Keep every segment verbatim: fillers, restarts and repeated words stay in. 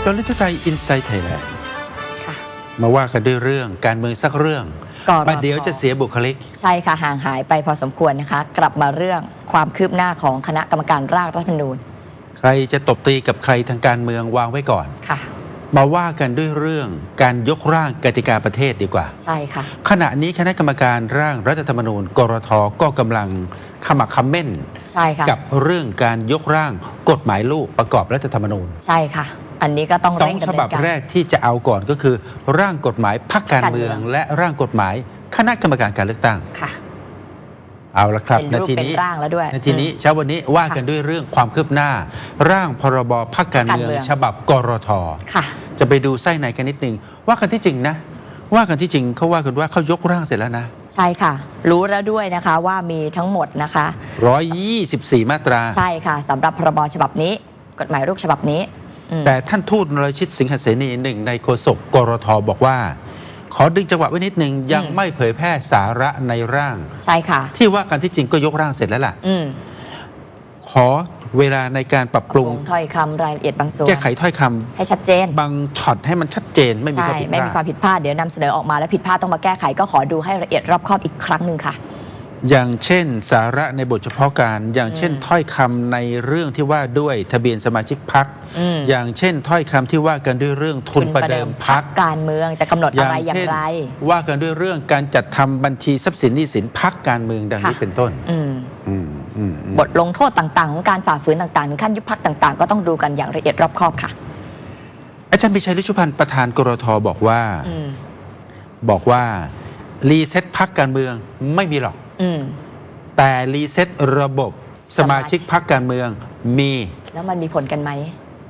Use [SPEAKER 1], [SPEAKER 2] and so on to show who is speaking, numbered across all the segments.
[SPEAKER 1] อนลิทไทยอินไซต์ไทยแลนด์มาว่ากันด้วยเรื่องการเมืองสักเรื่องประเดี๋ยวจะเสียบุคลิก
[SPEAKER 2] ใช่ค่ะห่างหายไปพอสมควรนะคะกลับมาเรื่องความคืบหน้าของคณะกรรมการร่างรัฐธรรมนูญ
[SPEAKER 1] ใครจะตบตีกับใครทางการเมืองวางไว้ก่อน
[SPEAKER 2] ค่ะ
[SPEAKER 1] มาว่ากันด้วยเรื่องการยกร่างกติกาประเทศดีกว่า
[SPEAKER 2] ใช่ค่ะ
[SPEAKER 1] ขณะนี้คณะกรรมการร่างรัฐธรรมนูญกรท.ก็กำลังขมักเขม้น
[SPEAKER 2] ใช่ค่ะ
[SPEAKER 1] กับเรื่องการยกร่างกฎหมายลูกประกอบรัฐธรรมนูญ
[SPEAKER 2] ใช่ค่ะอันนี้ก็ต้อง
[SPEAKER 1] เร่งดำเนินการสองฉบับแรกที่จะเอาก่อนก็คือร่างกฎหมายพรรคการเมืองและร่างกฎหมายคณะกรรมการการเลือกตั้ง
[SPEAKER 2] ค่ะ
[SPEAKER 1] เอาละครับ
[SPEAKER 2] นาทีนี้
[SPEAKER 1] นาทีนี้เช้าวันนี้ว่ากันด้วยเรื่องความคืบหน้าร่างพรบพรรคการเมืองฉบับกรท.
[SPEAKER 2] ค่ะจะ
[SPEAKER 1] ไปดูไส้ในกันนิดนึงว่ากันที่จริงนะว่ากันที่จริงเขาว่ากันว่าเขายกร่างเสร็จแล้วนะ
[SPEAKER 2] ใช่ค่ะรู้แล้วด้วยนะคะว่ามีทั้งหมดนะคะ
[SPEAKER 1] หนึ่งร้อยยี่สิบสี่มาตรา
[SPEAKER 2] ใช่ค่ะสำหรับพรบฉบับนี้กฎหมายลูกฉบับนี้
[SPEAKER 1] แต่ท่านทูตนรชิตสิงหเสนีหนึ่งในโฆษกกรท.บอกว่าขอดึงจังหวะไว้นิดนึงยังไม่เผยแพร่สาระในร่าง
[SPEAKER 2] ใช่ค่ะ
[SPEAKER 1] ที่ว่ากันที่จริงก็ยกร่างเสร็จแล้วล่ะขอเวลาในการปรับปรุง
[SPEAKER 2] ถ้อยคำรายละเอียดบางส่วน
[SPEAKER 1] แก้ไขถ้อยคำ
[SPEAKER 2] ให้ชัดเจน
[SPEAKER 1] บางช็อตให้มันชัดเจนไม่มีความผิดพลาด
[SPEAKER 2] ไม่มีความผิดพลาดเดี๋ยวนำเสนอออกมาแล้วผิดพลาดต้องมาแก้ไขก็ขอดูให้ละเอียดรอบคอบอีกครั้งหนึ่งค่ะ
[SPEAKER 1] อย่างเช่นสาระในบทเฉพาะการอย่างเช่นถ้อยคำในเรื่องที่ว่าด้วยทะเบียนสมาชิกพรรคอย่างเช่นถ้อยคำที่ว่ากันด้วยเรื่องทุนประเดิมพรรค
[SPEAKER 2] การเมืองจะกำหนดอะไรอย่างไร
[SPEAKER 1] ว่ากันด้วยเรื่องการจัดทำบัญชีทรัพย์สินหนี้สินพรรคการเมืองดังนี้เป็นต้น
[SPEAKER 2] บทลงโทษต่างๆของการฝ่าฝืนต่างๆขั้นยุบพรรคต่างๆก็ต้องดูกันอย่างละเอียดรอบคอบค่ะ
[SPEAKER 1] อาจารย์ปิชัยฤชุพันธ์ประธานกรท.บอกว่าบอกว่ารีเซ็ตพรรคการเมืองไม่มีหรอกแต่รีเซ็ตระบบสมาชิกพรรคการเมืองมี
[SPEAKER 2] แล้วมันมีผลกันไหม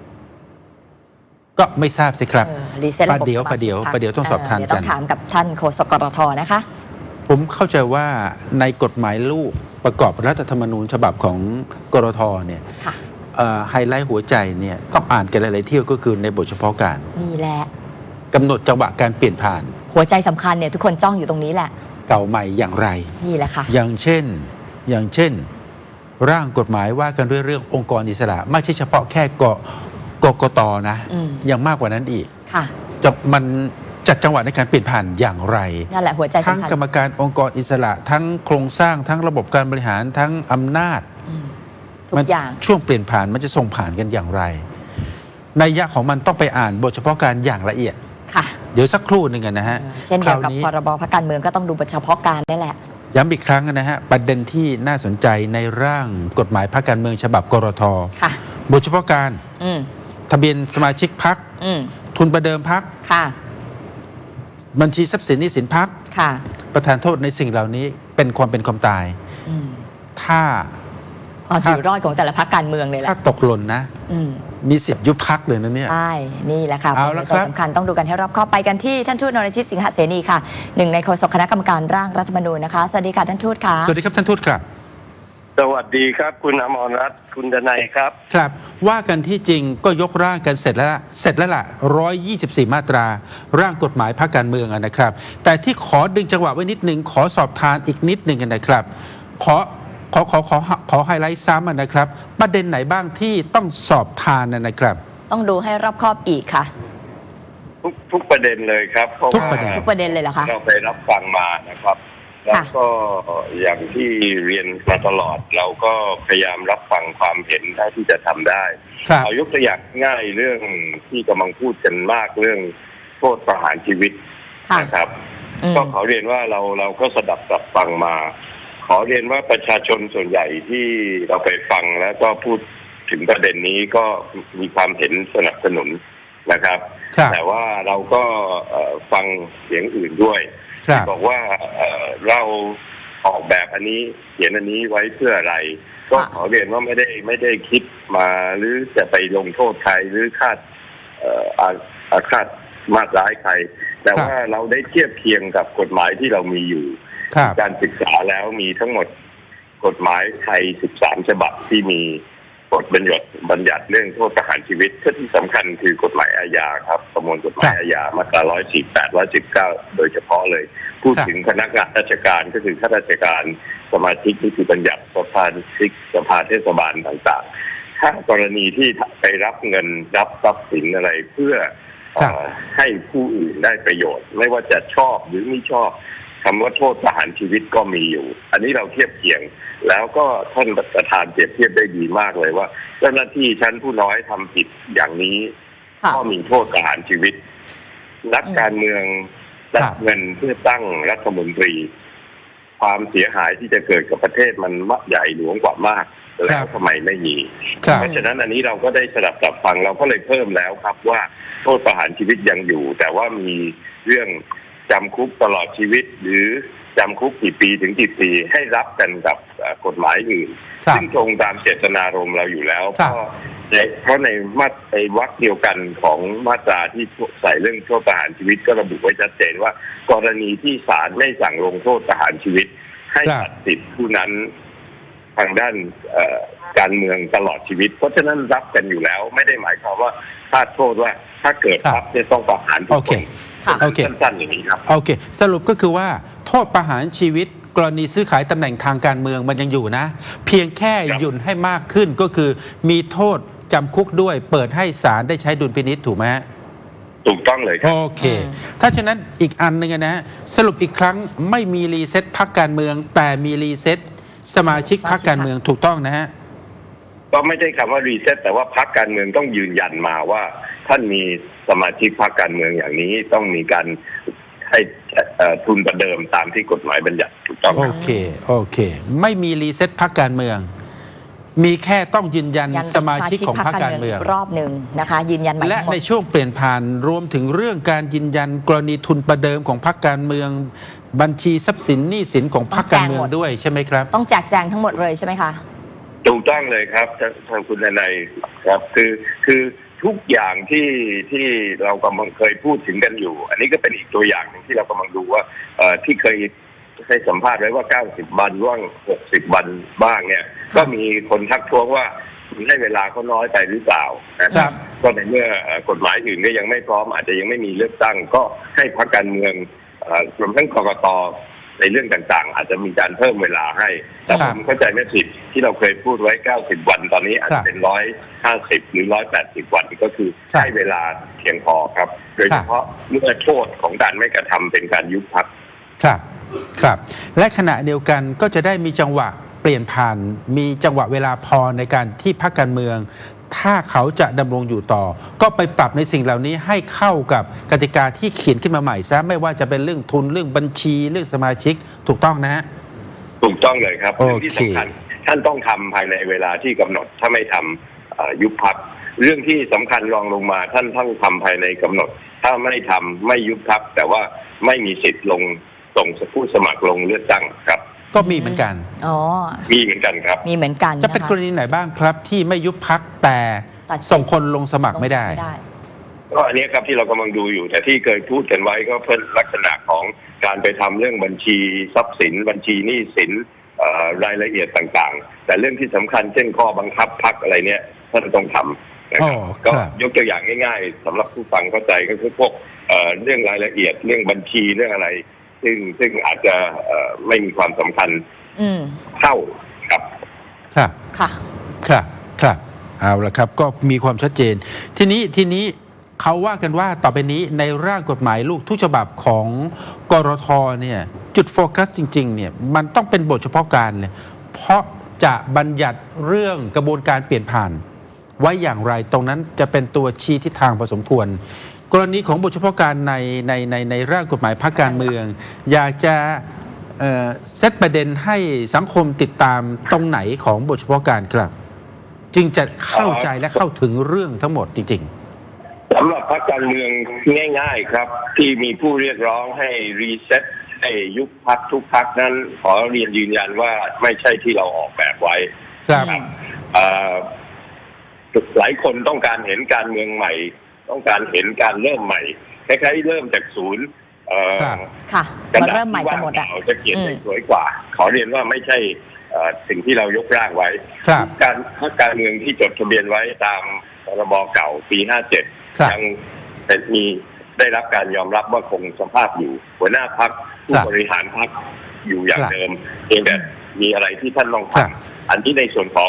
[SPEAKER 1] ก็ไม่ทราบสิครับ
[SPEAKER 2] รีเซ็ตระบบ
[SPEAKER 1] ประเดี๋ยวประเดี๋ยวประเดี๋ยวต้องสอบทานกัน
[SPEAKER 2] ต้องถามกับท่านโฆษกกรท.นะคะ
[SPEAKER 1] ผมเข้าใจว่าในกฎหมายลูกประกอบรัฐธรรมนูญฉบับของกรท.เนี่ยไฮไลท์หัวใจเนี่ยต้องอ่านกันหลายๆเที่ยวก็คือในบทเฉพาะการ
[SPEAKER 2] นี่แหละ
[SPEAKER 1] กำหนดจังหวะการเปลี่ยนผ่าน
[SPEAKER 2] หัวใจสำคัญเนี่ยทุกคนจ้องอยู่ตรงนี้แหละ
[SPEAKER 1] เก่าใหม่อย่างไร
[SPEAKER 2] นี่แหละค่ะ
[SPEAKER 1] อย่างเช่นอย่างเช่นร่างกฎหมายว่ากันด้วยเรื่ององค์กรอิสระไม่ใช่เฉพาะแค่กกกตนะยังมากกว่านั้นอีก
[SPEAKER 2] ค่ะ
[SPEAKER 1] จะมันจัดจังหวะในการเปลี่ยนผ่านอย่างไร
[SPEAKER 2] นั่นแหละหัวใจสำคัญ
[SPEAKER 1] ทั้งกรรมการองค์กรอิสระทั้งโครงสร้างทั้งระบบการบริหารทั้งอำนาจ
[SPEAKER 2] ทุกอย่าง
[SPEAKER 1] ช่วงเปลี่ยนผ่านมันจะส่งผ่านกันอย่างไรนัยยะของมันต้องไปอ่านบทเฉพาะการอย่างละเอียด
[SPEAKER 2] ค่ะ
[SPEAKER 1] เดี๋ยวสักครู่หนึ่งนะฮะ
[SPEAKER 2] เช่นเดียวกับพรบพรรคการเมืองก็ต้องดูบทเฉพาะการนี่แหละ
[SPEAKER 1] ย้ำอีกครั้งนะฮะประเด็นที่น่าสนใจในร่างกฎหมายพรรคการเมืองฉบับกรท.บทเฉพาะการทะเบียนสมาชิกพรรคทุนประเดิมพรรคบัญชีทรัพย์สินหนี้สินพรรคประธานโทษในสิ่งเหล่านี้เป็นความเป็นความตายถ้า
[SPEAKER 2] ความอยู่รอดของแต่ละพรรคการเมืองเลยแหละ
[SPEAKER 1] ถ้าตกหล่นนะมีสิทธิ์ยุบพรรคเลยนะเนี่ย
[SPEAKER 2] ใช่นี่แหละค่ะเป็นส่วนสำคัญต้องดูกันให้รอบคอบไปกันที่ท่านทูตนรชิตสิงหเสนีค่ะหนึ่งในโฆษกคณะกรรมการร่างรัฐธรรมนูญนะคะสวัสดีค่ะท่านทูตค่ะ
[SPEAKER 1] สวัสดีครับท่านทูตครับ
[SPEAKER 3] สวัสดีครับคุณอมรรัตน์คุณดนัยครับ
[SPEAKER 1] ครับว่ากันที่จริงก็ยกร่างกันเสร็จแล้วเสร็จแล้วล่ะหนึ่งร้อยยี่สิบสี่มาตราร่างกฎหมายพรรคการเมืองนะครับแต่ที่ขอดึงจังหวะไว้นิดนึงขอสอบทานอีกนิดนึงนะครับขอขอขอขอขอไฮไลท์ซ้ำนะครับประเด็นไหนบ้างที่ต้องสอบทานนะครับ
[SPEAKER 2] ต้องดูให้รอบคอบอีกค่ะ
[SPEAKER 3] ทุกทุกประเด็นเลยครับ
[SPEAKER 1] ทุกประเด็น
[SPEAKER 2] ทุกประเด็นเลยเหรอคะ
[SPEAKER 3] เราไปรับฟังมานะครับแล้วก็อย่างที่เรียนมาตลอดเราก็พยายามรับฟังความเห็นเท่าที่จะทำได้เอายกตัวอย่างง่ายเรื่องที่กำลังพูดกันมากเรื่องโทษประหารชีวิตนะครับก็ขอเรียนว่าเราเราก็สดับรับฟังมาขอเรียนว่าประชาชนส่วนใหญ่ที่เราไปฟังแล้วก็พูดถึงประเด็นนี้ก็มีความเห็นสนับสนุนนะครับแต่ว่าเราก็ฟังเสียงอื่นด้วยที่บอกว่าเราออกแบบอันนี้เขียนอันนี้ไว้เพื่ออะไรก็ขอเรียนว่าไม่ได้ไม่ได้คิดมาหรือจะไปลงโทษใครหรือคาดอาฆาตมาตร้ายใครแต่ว่าเราได้เทียบเคียงกับกฎหมายที่เรามีอยู่การศึกษาแล้วมีทั้งหมดกฎหมายไทยสิบสามฉบับที่มีกฎบัญญัติบัญญัติเรื่องโทษประหารชีวิตที่สำคัญคือกฎหมายอาญาครับประมวลกฎหมายอาญามาตราหนึ่งร้อยสี่สิบแปด หนึ่งร้อยสิบเก้าโดยเฉพาะเลยพูดถึงพนักงานราชการก็คือข้าราชการสมาชิกนิติบัญญัติสภาชิกสภาเทศบาลต่างๆถ้ากรณีที่ไปรับเงินรับทรัพย์สินอะไรเพื่อให้ผู้อื่นได้ประโยชน์ไม่ว่าจะชอบหรือไม่ชอบคำว่าโทษประหารชีวิตก็มีอยู่อันนี้เราเทียบเคียงแล้วก็ท่านประธานเปรียบเทียบได้ดีมากเลยว่าเจ้าหน้าที่ชั้นผู้น้อยทำผิดอย่างนี้ก็มีโทษประหารชีวิตนักการเมืองรับเงินเพื่อตั้งรัฐมนตรีความเสียหายที่จะเกิดกับประเทศมันมากใหญ่หลวงกว่ามากแล้วทำไมไม่มีเพราะฉะนั้นอันนี้เราก็ได้สดับสับฟังเราก็เลยเพิ่มแล้วครับว่าโทษประหารชีวิตยังอยู่แต่ว่ามีเรื่องจำคุกตลอดชีวิตหรือจำคุกกี่ปีถึงกี่ปีให้รับกันกับกฎหมายอื่นซึ่งตรงตามเจตนารมณ์เราอยู่แล้วเพราะเพราะในมาตราในวรรคเดียวกันของมาตราที่ใส่เรื่องโทษประหารชีวิตก็ระบุไว้ชัดเจนว่ากรณีที่ศาลไม่สั่งลงโทษประหารชีวิตให้ตัดสิทธิผู้นั้นทางด้านการเมืองตลอดชีวิตเพราะฉะนั้นรับกันอยู่แล้วไม่ได้หมายความว่าคาดโทษว่าถ้าเกิดรับจะต้องประหารทุกคนสั้นๆอย่างนี้ครับ
[SPEAKER 1] โอเคสรุปก็คือว่าโทษประหารชีวิตกรณีซื้อขายตำแหน่งทางการเมืองมันยังอยู่นะเพียงแค่หยุ่นให้มากขึ้นก็คือมีโทษจำคุกด้วยเปิดให้ศาลได้ใช้ดุลพินิจถูกไหม
[SPEAKER 3] ถูกต้องเลยครับ
[SPEAKER 1] โอเคถ้าฉะนั้นอีกอันหนึ่งนะสรุปอีกครั้งไม่มีรีเซ็ตพรรคการเมืองแต่มีรีเซ็ตสมาชิกพรรคการเมืองถูกต้องนะฮะ
[SPEAKER 3] ก็ไม่ใช่คำว่ารีเซ็ตแต่ว่าพรรคการเมืองต้องยืนยันมาว่าท่านมีสมาชิกพรรคการเมืองอย่างนี้ต้องมีการให้ทุนประเดิมตามที่กฎหมายบัญญัติถูกต้อง
[SPEAKER 1] โอเคโอเคไม่มีรีเซ็ตพรรคการเมืองมีแค่ต้องยืนยันสมาชิกของพรรคการเมือง
[SPEAKER 2] รอบหนึ่งนะคะยืนยันใหม่
[SPEAKER 1] และในช่วงเปลี่ยนผ่านรวมถึงเรื่องการยืนยันกรณีทุนประเดิมของพรรคการเมืองบัญชีทรัพย์สินหนี้สินของพรรคการเมืองด้วยใช่ไหมครับ
[SPEAKER 2] ต้องแจกแจงทั้งหมดเลยใช่ไหมคะ
[SPEAKER 3] ถูกต้องเลยครับทางคุณนายครับคือคือทุกอย่างที่ที่เรากำลังเคยพูดถึงกันอยู่อันนี้ก็เป็นอีกตัวอย่างหนึ่งที่เรากำลังดูว่าที่เคยให้สัมภาษณ์ไว้ว่าเก้าสิบวันว่างหกสิบวันบ้างเนี่ยก็มีคนทักท้วงว่าให้เวลาเขาน้อยไปหรือเปล่านะครับก็ในเมื่อกฎหมายอื่นก็ยังไม่พร้อมอาจจะยังไม่มีเลือกตั้งก็ให้พรรคการเมืองรวมทั้งกกต.ในเรื่องต่างๆอาจจะมีการเพิ่มเวลาให้แต่ผมเข้าใจไม่ผิดที่เราเคยพูดไว้เก้าสิบวันตอนนี้อาจจะเป็นหนึ่งร้อยห้าสิบหรือหนึ่งร้อยแปดสิบวันก็คือให้เวลาเพียงพอครับโดยเฉพาะเมื่อโทษของการไม่กระทำเป็นการยุบพรรค
[SPEAKER 1] ครับครับและขณะเดียวกันก็จะได้มีจังหวะเปลี่ยนผ่านมีจังหวะเวลาพอในการที่พรรคการเมืองถ้าเขาจะดำรงอยู่ต่อก็ไปปรับในสิ่งเหล่านี้ให้เข้ากับกติกาที่เขียนขึ้นมาใหม่ซะไม่ว่าจะเป็นเรื่องทุนเรื่องบัญชีเรื่องสมาชิกถูกต้องนะฮะ
[SPEAKER 3] ถูกต้องเลยครับเรื่องที่สำคัญท่านต้องทำภายในเวลาที่กำหนดถ้าไม่ทำยุบพรรคเรื่องที่สำคัญรองลงมาท่านต้องทำภายในกำหนดถ้าไม่ทำไม่ยุบพรรคแต่ว่าไม่มีสิทธิ์ลงส่งผู้สมัครลงเลือกตั้งครับ
[SPEAKER 1] ก็มีเหมือนกัน
[SPEAKER 2] อ๋อ
[SPEAKER 3] มีเหมือนกันครับ
[SPEAKER 2] มีเหมือนกัน
[SPEAKER 1] จะเป็นกรณีไหนบ้างครับที่ไม่ยุบพรรคแต่ส่งคนลงสมัครไม่ได้
[SPEAKER 3] ก็อันนี้ครับที่เรากำลังดูอยู่แต่ที่เคยพูดกันไว้ก็เพิ่มลักษณะของการไปทำเรื่องบัญชีทรัพย์สินบัญชีหนี้สินรายละเอียดต่างๆแต่เรื่องที่สำคัญเช่นข้อบังคับพรรคอะไรเนี่ยท่านต้องทำนะครับก็ยกตัวอย่างง่ายๆสำหรับผู้ฟังเข้าใจก็คือพวกเรื่องรายละเอียดเรื่องบัญชีเรื่องอะไรซึ่งซึ่งอาจจะไม่มีความสำคัญเท่าครับ
[SPEAKER 1] ครับ
[SPEAKER 2] ค่ะ
[SPEAKER 1] ครับครับเอาละครับก็มีความชัดเจนทีนี้ทีนี้เขาว่ากันว่าต่อไปนี้ในร่างกฎหมายลูกทุกฉบับของกรท.เนี่ยจุดโฟกัสจริงๆเนี่ยมันต้องเป็นบทเฉพาะการเลยเพราะจะบัญญัติเรื่องกระบวนการเปลี่ยนผ่านไว้อย่างไรตรงนั้นจะเป็นตัวชี้ทิศทางพอสมควรกรณีของบทเฉพาะการในในในในร่างกฎหมายพรรคการเมืองอยากจะเอ่อเซตประเด็นให้สังคมติดตามตรงไหนของบทเฉพาะการครับจึงจะเข้าใจและเข้าถึงเรื่องทั้งหมดจริง
[SPEAKER 3] ๆสำหรับพรรคการเมืองง่ายๆครับที่มีผู้เรียกร้องให้รีเซ็ตให้ยุบพรรคทุกพรรคนั้นขอเรียนยืนยันว่าไม่ใช่ที่เราออกแบบไว้
[SPEAKER 1] ครับ
[SPEAKER 3] หลายคนต้องการเห็นการเมืองใหม่ต้องการเห็นการเริ่มใหม่คล้ายๆเริ่มจากศูนย์
[SPEAKER 2] ค่ะ
[SPEAKER 3] มันเริ่มใหม่กันหมดอ่ะจะเขียนได้สวยกว่าขอเรียนว่าไม่ใช่สิ่งที่เรายกร่างไว้การพรรคการเมืองที่จดทะเบียนไว้ตามพรบเก่าปีห้าเจ็ดยังมีได้รับการยอมรับว่าคงสภาพอยู่หัวหน้าพรรคผู้บริหารพรรคอยู่อย่างเดิมเพียงแต่มีอะไรที่ท่านต้องทำอันที่ในส่วนของ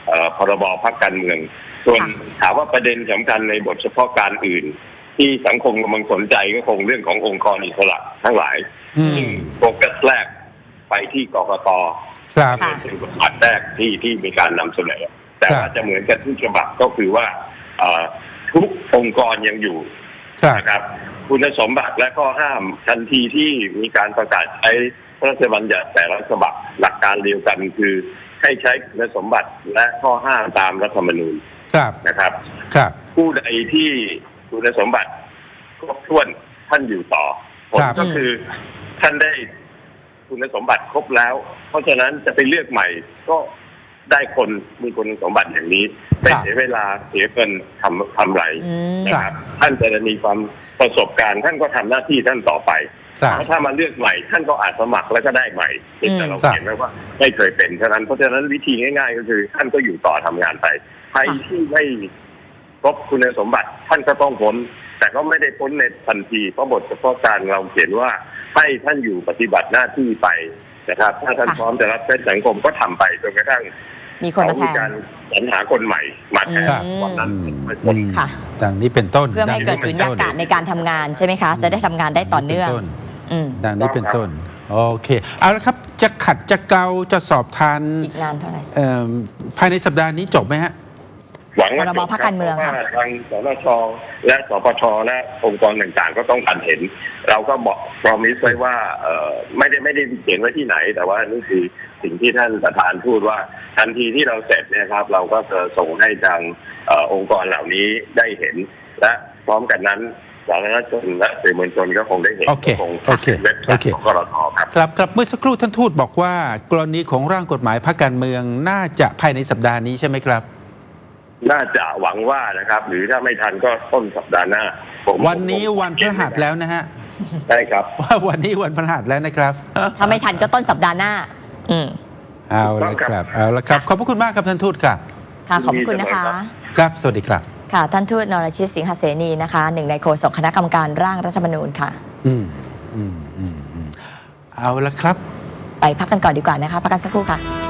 [SPEAKER 3] เอ่อพรบพรรคการเมืองส่วนถามว่าประเด็นสำคัญในบทเฉพาะการอื่น ที่สังคมกำลังสนใจก็คงเรื่องขององค์กรอิสระทั้งหลายซึ่งโฟกัสแรกไปที่กกตเป็นบทบาทแรกที่ที่มีการนำเสนอแต่ว่าจะเหมือนกันทุกฉบับก็คือว่าทุกองค์กรยังอยู่นะครับคุณสมบัติและข้อห้ามทันทีที่มีการประกาศใช้พระราชบัญญัติแต่ละฉบับหลักการเดียวกันคือให้ใช้คุณสมบัติและข้อห้ามตามรัฐธรรมนูญนะครับผู้ใดที่คุณสมบัติครบถ้วนท่านอยู่ต่อผลก็คือท่านได้คุณสมบัติครบแล้วเพราะฉะนั้นจะไปเลือกใหม่ก็ได้คนมีคุณสมบัติอย่างนี้ไม่เสียเวลาเสียเงินทำทำไรนะครับท่านจะมีความประสบการณ์ท่านก็ทำหน้าที่ท่านต่อไปเพราะถ้ามาเลือกใหม่ท่านก็อาจสมัครแล้วก็ได้ใหม่แต่เราเห็นไหมว่าไม่เคยเป็นฉะนั้นเพราะฉะนั้นวิธีง่ายๆก็คือท่านก็อยู่ต่อทำงานไปใครที่ไม่ครบคุณสมบัติท่านก็ต้องพ้นแต่ก็ไม่ได้พ้นในทันทีเพราะบทเฉพาะการเราเขียนว่าให้ท่านอยู่ปฏิบัติหน้าที่ไปนะครับถ้าท่านพร้อมจะรับใช้สังคมก็ทำไปจนกระทั่ง
[SPEAKER 2] มีคนมาแทน
[SPEAKER 3] การสรรหาคนใหม่มาแทนวันนั้น
[SPEAKER 1] ค่ะดังนี้เป็นต้น
[SPEAKER 2] เพื่อให้เกิดสุญญากาศในการทำงานใช่ไหมคะจะได้ทำงานได้ต่อเนื่อง
[SPEAKER 1] ดังนี้เป็นต้นโอเคเอาละครับจะขัดจะเกาจะสอบทาน
[SPEAKER 2] อีกนานเท่าไหร่
[SPEAKER 1] ภายในสัปดาห์นี้จบไหมฮะ
[SPEAKER 3] หวังว่า
[SPEAKER 2] จบเพราะว่าทาง
[SPEAKER 3] สนช.และสปช.และองค์กรต่างๆก็ต้องการเห็นเราก็บอกพรอมิสไว้ว่าไม่ได้ไม่ได้เขียนไว้ที่ไหนแต่ว่านี่คือสิ่งที่ท่านประธานพูดว่าทันทีที่เราเสร็จเนี่ยครับเราก็จะส่งให้ทางองค์กรเหล่านี้ได้เห็นและพร้อมกันนั้นสาธารณชนและสื่อมวลชนก็คงได้เห็นคงเว็บไซต์ของกรท.ครับ
[SPEAKER 1] ครับครับเมื่อสักครู่ท่านทูตบอกว่ากรณีของร่างกฎหมายพรรคการเมืองน่าจะภายในสัปดาห์นี้ใช่ไหมครับ
[SPEAKER 3] น่าจะหวังว่านะครับหรือถ้าไม่ทันก็ต้นสัปดาห์หน้า
[SPEAKER 1] วันนี้วันพฤหัสแล้วนะฮะ
[SPEAKER 3] ใช่ครับ
[SPEAKER 1] ว่าวันนี้วันพฤหัสแล้วนะครับ
[SPEAKER 2] ถ้าไม่ทันก็ต้นสัปดาห์หน้าอืม
[SPEAKER 1] เอาละครับเอาละครับขอบพระคุณมากครับท่านทูตครับ
[SPEAKER 2] ค่ะขอบคุณนะคะ
[SPEAKER 1] ครับสวัสดีครับ
[SPEAKER 2] ค่ะท่านทูตนรชิตสิงหเสนีนะคะหนึ่งในโฆษกคณะกรรมการร่างรัฐธรรมนูญค่ะ
[SPEAKER 1] อืมอืมอืมเอาละครับ
[SPEAKER 2] ไปพักกันก่อนดีกว่านะคะพักกันสักครู่ค่ะ